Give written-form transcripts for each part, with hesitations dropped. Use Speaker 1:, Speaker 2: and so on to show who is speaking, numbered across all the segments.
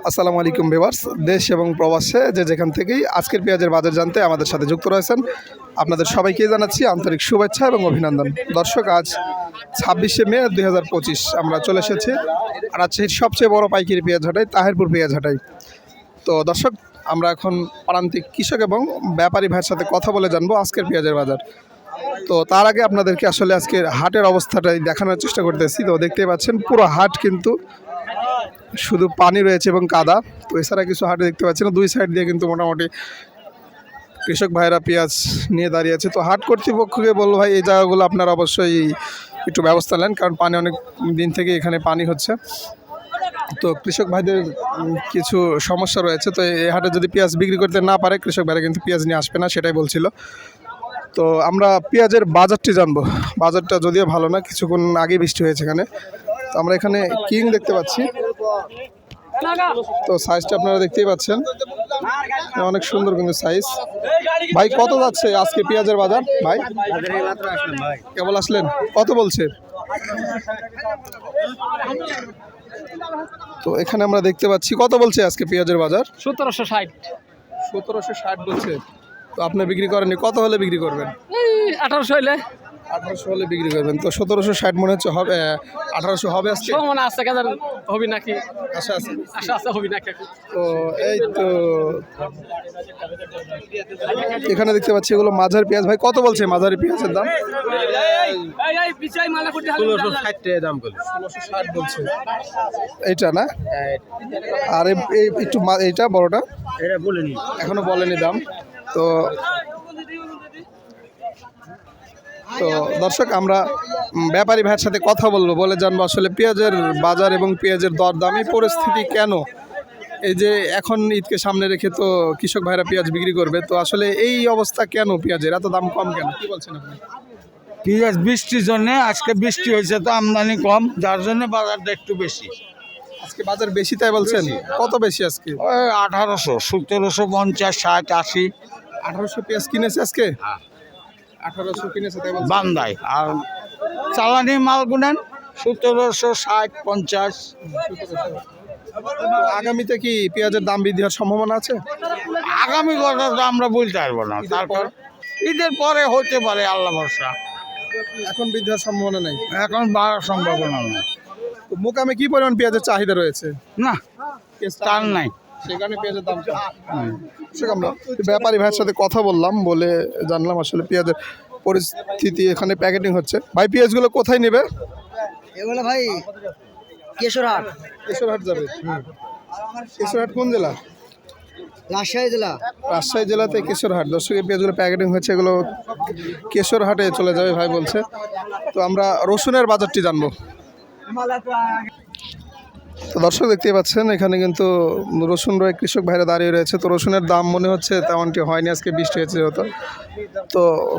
Speaker 1: আসসালামু আলাইকুম ভিউয়ার্স, দেশ এবং প্রবাসে যে যেখান থেকেই আজকের পেঁয়াজের বাজার জানতে আমাদের সাথে যুক্ত রয়েছেন আপনাদের সবাইকে জানাচ্ছি আন্তরিক শুভেচ্ছা এবং অভিনন্দন। দর্শক, আজ 26শে মে 2025 আমরা চলে এসেছি রাজশাহীর সবচেয়ে বড় পাইকারি পেঁয়াজ হাটাই তাহিরপুর পেঁয়াজ হাটাই। তো দর্শক, আমরা এখন প্রান্তিক কৃষক এবং ব্যাপারী ভাইয়ের সাথে কথা বলে জানবো আজকের পেঁয়াজের বাজার। তো তার আগে আপনাদেরকে আসলে আজকের হাটের অবস্থাটাই দেখানোর চেষ্টা করতেছি। তো দেখতেই পাচ্ছেন পুরো হাট কিন্তু শুধু পানি রয়েছে এবং কাদা। তো এছাড়া কিছু হাটে দেখতে পাচ্ছেন দুই সাইড দিয়ে কিন্তু মোটামুটি কৃষক ভাইরা পেঁয়াজ নিয়ে দাঁড়িয়ে আছে। তো হাট কর্তৃপক্ষকে বলবো, ভাই এই জায়গাগুলো আপনারা অবশ্যই একটু ব্যবস্থা নেন, কারণ পানি অনেক দিন থেকে এখানে পানি হচ্ছে। তো কৃষক ভাইদের কিছু সমস্যা রয়েছে। তো এই হাটে যদি পেঁয়াজ বিক্রি করতে না পারে কৃষক ভাইরা কিন্তু পেঁয়াজ নিয়ে আসবে না, সেটাই বলছিল। তো আমরা পেঁয়াজের বাজারটি জানবো। বাজারটা যদিও ভালো না, কিছুক্ষণ আগে বৃষ্টি হয়েছে এখানে। তো আমরা এখানে কিং দেখতে পাচ্ছি। তো সাইজটা আপনারা দেখতেই পাচ্ছেন, অনেক সুন্দর কিন্তু সাইজ। ভাই কত যাচ্ছে আজকে পেঁয়াজের বাজার? ভাই কেবল আসলেন, কত বলছে? তো এখানে আমরা দেখতে পাচ্ছি, কত বলছে আজকে পেঁয়াজের বাজার?
Speaker 2: 1760
Speaker 1: 1760 বলছে। তো আপনি বিক্রি করেননি, কত হলে বিক্রি করবেন?
Speaker 2: 1800 হইলে
Speaker 1: 1800 হলে বিক্রি করবেন। তো 1760 মনে হচ্ছে হবে, 1800 হবে আজকে।
Speaker 2: মনে আছে কাজার হবি নাকি?
Speaker 1: আশা আছে,
Speaker 2: আশা আছে হবি নাকি?
Speaker 1: তো এই তো এখানে দেখতে পাচ্ছি এগুলো মাঝারি পেঁয়াজ। ভাই কত বলছে মাঝারি পেঁয়াজের দাম?
Speaker 2: 1660 টাকা দাম বলে।
Speaker 1: 1660 বলছে এইটা না? আর এই একটু এইটা বড়টা
Speaker 2: এটা বলেনি,
Speaker 1: এখনো বলেনি দাম। তো তো দর্শক, আমরা ব্যাপারী ভাইয়ের সাথে কথা বলবো, বলে জানবো আসলে পেঁয়াজের বাজার এবং পেঁয়াজের দরদাম এই পরিস্থিতি কেন। এই যে এখন ঈদকে সামনে রেখে তো কৃষক ভাইরা পেঁয়াজ বিক্রি করবে, তো আসলে এই অবস্থা কেন, পেঁয়াজের এত দাম কম কেন, কি বলছেন আপনি?
Speaker 3: পেঁয়াজ বৃষ্টির জন্য, আজকে বৃষ্টি হয়েছে তো আমদানি কম, যার জন্য বাজারটা একটু বেশি।
Speaker 1: আজকে বাজার বেশি তাই বলছেন? কত বেশি আজকে?
Speaker 3: ওই 1800, 1750, 60, 80।
Speaker 1: 1800 পেঁয়াজ কিনেছে আজকে? 1800 কিনেছে তাই বলছেন?
Speaker 3: বান্দায়। আর চালানি মাল গুনেন 1760, 50।
Speaker 1: আগামীতে কি পেঁয়াজের দাম বৃদ্ধি হওয়ার সম্ভাবনা আছে?
Speaker 3: আগামী কথা তো আমরা বলতে পারবো না, তারপর ঈদের পরে হতে পারে, আল্লাহ ভরসা।
Speaker 1: এখন বৃদ্ধি হওয়ার সম্ভাবনা নেই,
Speaker 3: এখন বাড়ার সম্ভাবনা না।
Speaker 1: তো মোকামে কি পরিমাণ পেঁয়াজের চাহিদা রয়েছে?
Speaker 3: না, তার নাই।
Speaker 1: সেখানে পেঁয়াজের দাম কম। আমরা ব্যাপারী ভাইয়ের সাথে কথা বললাম, বলে জানলাম আসলে পেঁয়াজের পরিস্থিতি এখানে প্যাকেটিং হচ্ছে। ভাই পেঁয়াজগুলো কোথায় নেবে?
Speaker 4: এগুলো ভাই কেশরহাট।
Speaker 1: কেশরহাট যাবে? কেশরহাট কোন জেলা?
Speaker 4: রাজশাহী জেলা।
Speaker 1: রাজশাহী জেলাতে কেশরহাট। দর্শক, এই পেঁয়াজগুলো প্যাকেটিং হচ্ছে, এগুলো কেশরহাটে চলে যাবে ভাই বলছে। তো আমরা রসুনের বাজারটি জানবো। তো দর্শক দেখতেই পাচ্ছেন এখানে কিন্তু রসুন রয়ে কৃষক ভাইরা দাঁড়িয়ে রয়েছে। তো রসুনের দাম মনে হচ্ছে তেমনটি হয়নি, আজকে বৃষ্টি হয়েছে যেহেতু। তো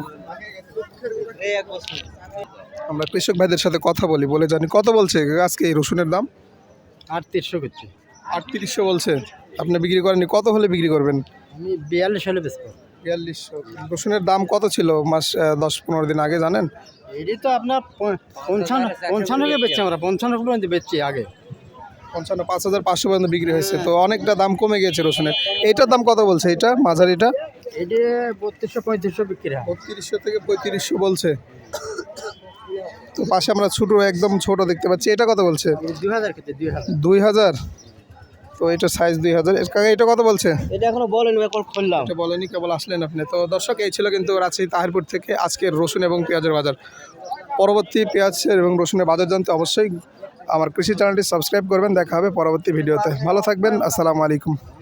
Speaker 1: আমরা কৃষক ভাইদের সাথে কথা বলি, বলে জানি কত বলছে আজকে এই রসুনের দাম?
Speaker 4: 3800 করছি।
Speaker 1: 3800 বলছে। আপনি বিক্রি করেননি, কত হলে বিক্রি করবেন?
Speaker 4: আমি 42 হলে বেচবো।
Speaker 1: 4200। রসুনের দাম কত ছিল মাস 10-15 দিন আগে জানেন?
Speaker 4: এটি তো আপনার 55 বেচছি, আমরা 55 পর্যন্ত বেচছি আগে।
Speaker 1: 55,500 পর্যন্ত বিক্রি হয়েছে। তো অনেকটা দাম কমে গেছে রসুনের। এইটার দাম কত বলছে? এটা মাঝারিটা
Speaker 4: এটি 3200-3500 বিক্রি হয়।
Speaker 1: 3200 থেকে 3500 বলছে। তো পাশে আমরা ছোট, একদম ছোট দেখতে পাচ্ছি, এটা কত বলছে?
Speaker 4: 2000 খেতে 2000।
Speaker 1: 2000। তো এটা সাইজ 2000। এটা কত বলছে?
Speaker 4: এটা এখনো বলেনি, এখন খুললাম।
Speaker 1: এটা বলেনি, কেবল আসলেন আপনি। তো দর্শক, এই ছিল কিন্তু রাজশাহী তাহিরপুর থেকে আজকের রসুন এবং পেঁয়াজের বাজার। পরবর্তী পেঁয়াজের এবং রসুনের বাজার জানতে অবশ্যই আমার কৃষি চ্যানেলটি সাবস্ক্রাইব করবেন। দেখা হবে পরবর্তী ভিডিওতে। ভালো থাকবেন। আসসালামু আলাইকুম।